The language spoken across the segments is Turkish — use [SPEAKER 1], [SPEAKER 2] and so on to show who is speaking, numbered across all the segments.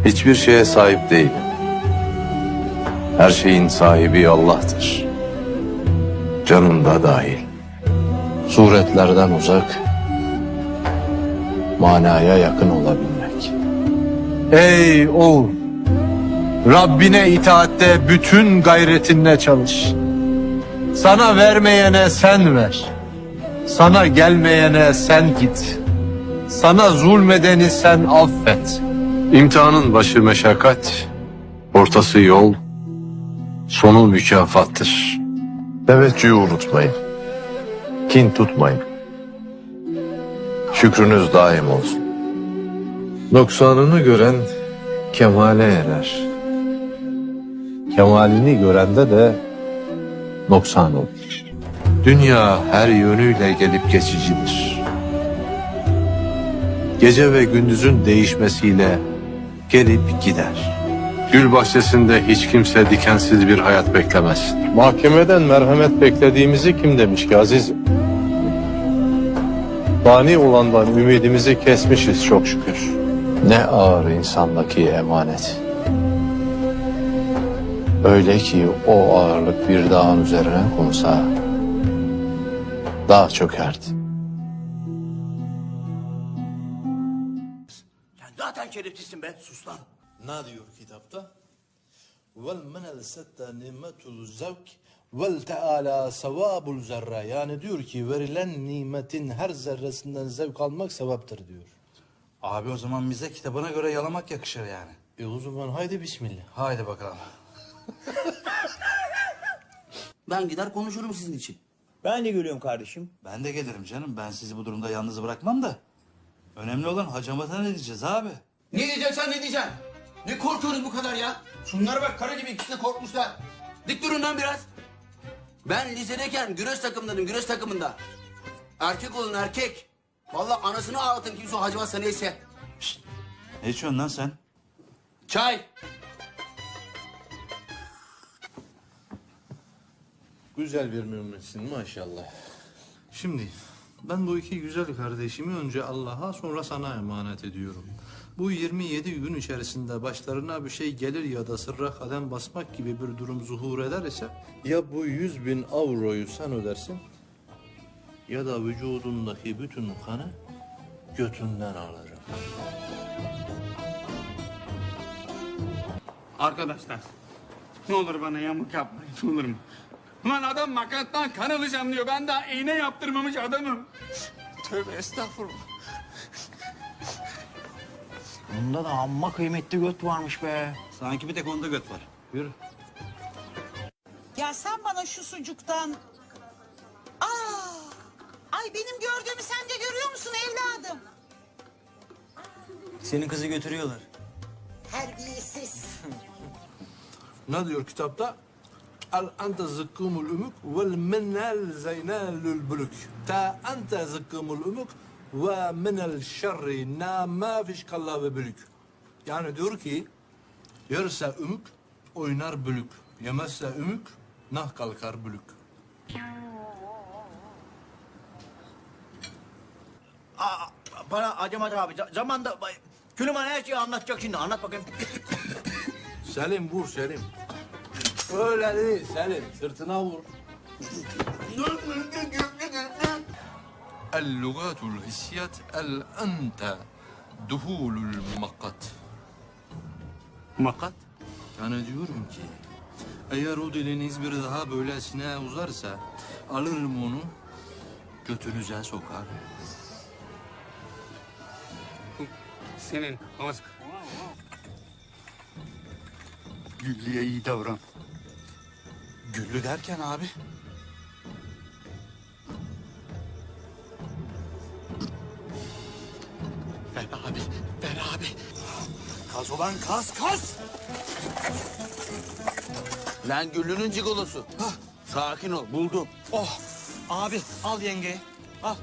[SPEAKER 1] Hiçbir şeye sahip değilim. Her şeyin sahibi Allah'tır. Canın da dahil. Suretlerden uzak, manaya yakın olabilmek. Ey oğul! Rabbine itaatte bütün gayretinle çalış. Sana vermeyene sen ver. Sana gelmeyene sen git. Sana zulmedeni sen affet. İmtihanın başı meşakkat, ortası yol, sonu mükafattır. Teveccühü unutmayın. Kin tutmayın. Şükrünüz daim olsun. Noksanını gören kemale erer. Kemalini görende de noksan olur. Dünya her yönüyle gelip geçicidir. Gece ve gündüzün değişmesiyle gelip gider. Gül bahçesinde hiç kimse dikensiz bir hayat beklemez. Mahkemeden merhamet beklediğimizi kim demiş ki azizim? Fani olandan ümidimizi kesmişiz çok şükür. Ne ağır insandaki emanet. Öyle ki o ağırlık bir dağın üzerine konsa dağ çökerdi.
[SPEAKER 2] Sen zaten şerefsizsin be. Sus lan.
[SPEAKER 3] Ne diyor kitapta? Vel menel sette nimetul zevk vel teala sevabul zerre. Yani diyor ki verilen nimetin her zerresinden zevk almak sevaptır diyor.
[SPEAKER 4] Abi o zaman bize kitabına göre yalamak yakışır yani.
[SPEAKER 3] O zaman haydi bismillah.
[SPEAKER 4] Haydi bakalım.
[SPEAKER 2] Ben gider konuşurum sizin için.
[SPEAKER 5] Ben de geliyorum kardeşim.
[SPEAKER 4] Ben de gelirim canım. Ben sizi bu durumda yalnız bırakmam da. Önemli olan hacamata ne diyeceğiz abi?
[SPEAKER 2] Ne diyeceksen ne diyeceksin? Ne korkuyorsunuz bu kadar ya? Şunlara bak, kara gibi ikisi de korkmuşlar. Dik durun lan biraz. Ben lisedeyken güreş takımındaydım, güreş takımında. Erkek olun erkek. Vallahi anasını ağlatın kimse o hacıvatsa neyse.
[SPEAKER 4] Ne içiyorsun lan sen?
[SPEAKER 2] Çay.
[SPEAKER 3] Güzel bir müminsin maşallah. Şimdi ben bu iki güzel kardeşimi önce Allah'a sonra sana emanet ediyorum. Bu 27 gün içerisinde başlarına bir şey gelir ya da sırra kadem basmak gibi bir durum zuhur eder ise ya bu 100.000 avroyu sen ödersin ya da vücudundaki bütün kanı götünden alırım.
[SPEAKER 6] Arkadaşlar, ne olur bana yamuk yapmayın, olur mu? Ulan adam makattan kan alacağım diyor. Ben daha iğne yaptırmamış adamım. Tövbe estağfurullah.
[SPEAKER 5] Bunda da amma kıymetli göt varmış be.
[SPEAKER 4] Sanki bir tek onda göt var. Yürü.
[SPEAKER 7] Ya sen bana şu sucuktan... Ay benim gördüğümü sen de görüyor musun evladım?
[SPEAKER 5] Senin kızı götürüyorlar.
[SPEAKER 7] Terbiyesiz.
[SPEAKER 3] Ne diyor kitapta? El ente zıkkımul umuk vel minel zeynelül bülük. Ta ente zıkkımul umuk ve minel şerri na ma fiş kalla ve bülük. Yani diyor ki yerse ümük oynar bülük. Yemezse ümük nah kalkar bülük.
[SPEAKER 5] Bana Acemat abi zamanda Külüman her şeyi anlatacak şimdi. Anlat bakayım.
[SPEAKER 3] Selim vur Selim. Öyle değil Selim sırtına vur. اللغات الحسيات الأنت دخول المقت.
[SPEAKER 6] Makat?
[SPEAKER 3] Yani diyorum ki eğer o diliniz bir daha böylesine uzarsa alırım onu götünüze sokar.
[SPEAKER 6] Senin ağız...
[SPEAKER 4] Güllü'ye iyi davran. Güllü derken abi? Ver abi, ver abi. Kaz ulan kaz, kaz!
[SPEAKER 2] Lan Güllü'nün cigolosu. Sakin ol, buldum.
[SPEAKER 5] Oh abi al yengeyi. Al.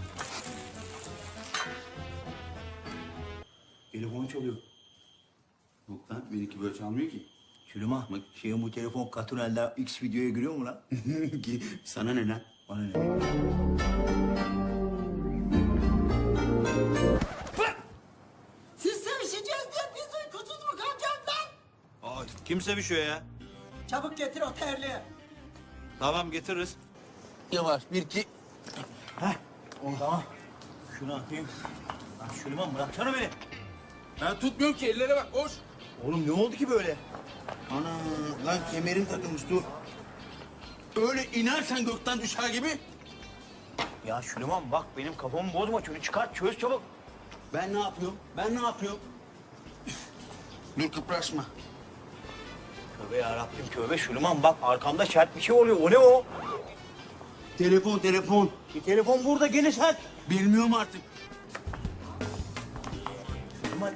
[SPEAKER 2] Telefon çalıyor.
[SPEAKER 4] Yok lan, benimki böyle çalmıyor ki.
[SPEAKER 5] Külüman şeyin bu telefon Katunel'de X videoya giriyor mu lan?
[SPEAKER 2] Sana ne lan?
[SPEAKER 5] Bana ne?
[SPEAKER 7] Siz sevişeceğiz diye biz uykusuz mu kalacağız?
[SPEAKER 4] Kim sevişiyor ya?
[SPEAKER 5] Çabuk getir o terliği.
[SPEAKER 4] Tamam getiririz.
[SPEAKER 2] Yavaş bir iki.
[SPEAKER 5] Tamam. Şunu atayım. Lan Süleyman bıraksana beni.
[SPEAKER 2] Ben tutmuyorum ki ellere bak koş.
[SPEAKER 5] Oğlum ne oldu ki böyle?
[SPEAKER 2] Ana lan kemerim takılmış dur. Öyle inersen gökten düşer gibi.
[SPEAKER 5] Ya Süleyman bak benim kafamı bozma. Şunu çıkart çöz çabuk.
[SPEAKER 2] Ben ne yapıyorum? Ben ne yapıyorum? Dur kıpraşma.
[SPEAKER 5] Tövbe yarabbim tövbe Süleyman bak arkamda sert bir şey oluyor. O ne o?
[SPEAKER 2] Telefon.
[SPEAKER 5] Telefon burada gene sert.
[SPEAKER 2] Bilmiyorum artık.
[SPEAKER 5] Süleyman.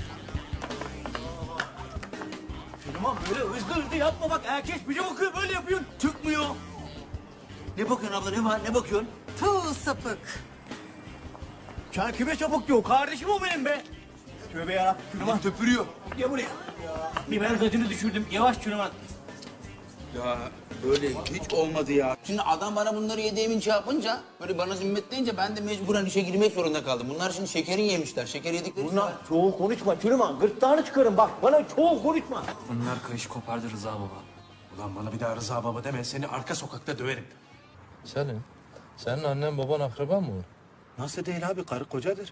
[SPEAKER 5] Süleyman böyle hızlı yapma bak. Herkes bize bakıyor böyle yapıyorsun.
[SPEAKER 2] Çıkmıyor. Ne bakıyorsun abla ne var ne bakıyorsun?
[SPEAKER 7] Tuğ sapık.
[SPEAKER 5] Sen kime çabuk diyor? Kardeşim o benim be. Tövbe yarabbim Süleyman.
[SPEAKER 2] Töpürüyor.
[SPEAKER 5] Gel buraya. Biber gazını düşürdüm. Yavaş Süleyman.
[SPEAKER 2] Ya böyle hiç olmadı ya. Şimdi adam bana bunları yediğimin şey yapınca, böyle bana zimmetleyince ben de mecburen işe girmek zorunda kaldım. Bunlar şimdi şekeri yemişler. Şeker yedikleri için.
[SPEAKER 5] Bunlar çoğul konuşma Süleyman. Gırtlağını çıkarın bak. Bana çoğul konuşma.
[SPEAKER 8] Bunlar kayış kopardı Rıza baba. Ulan bana bir daha Rıza baba deme, seni arka sokakta döverim.
[SPEAKER 3] Senin, senin annen baban akraban mı olur?
[SPEAKER 8] Nasıl değil abi, karı kocadır.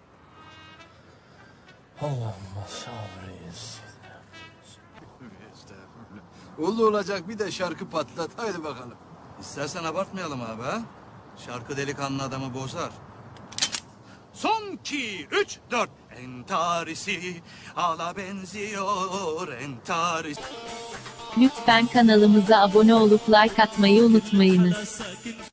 [SPEAKER 3] Allah'ım sabrıyız. Oldu olacak bir de şarkı patlat. Haydi bakalım.
[SPEAKER 4] İstersen abartmayalım abi ha. Şarkı delikanlı adamı bozar. Son 2, 3, 4. Entarisi ala benziyor entarisi.
[SPEAKER 9] Lütfen kanalımıza abone olup like atmayı unutmayınız.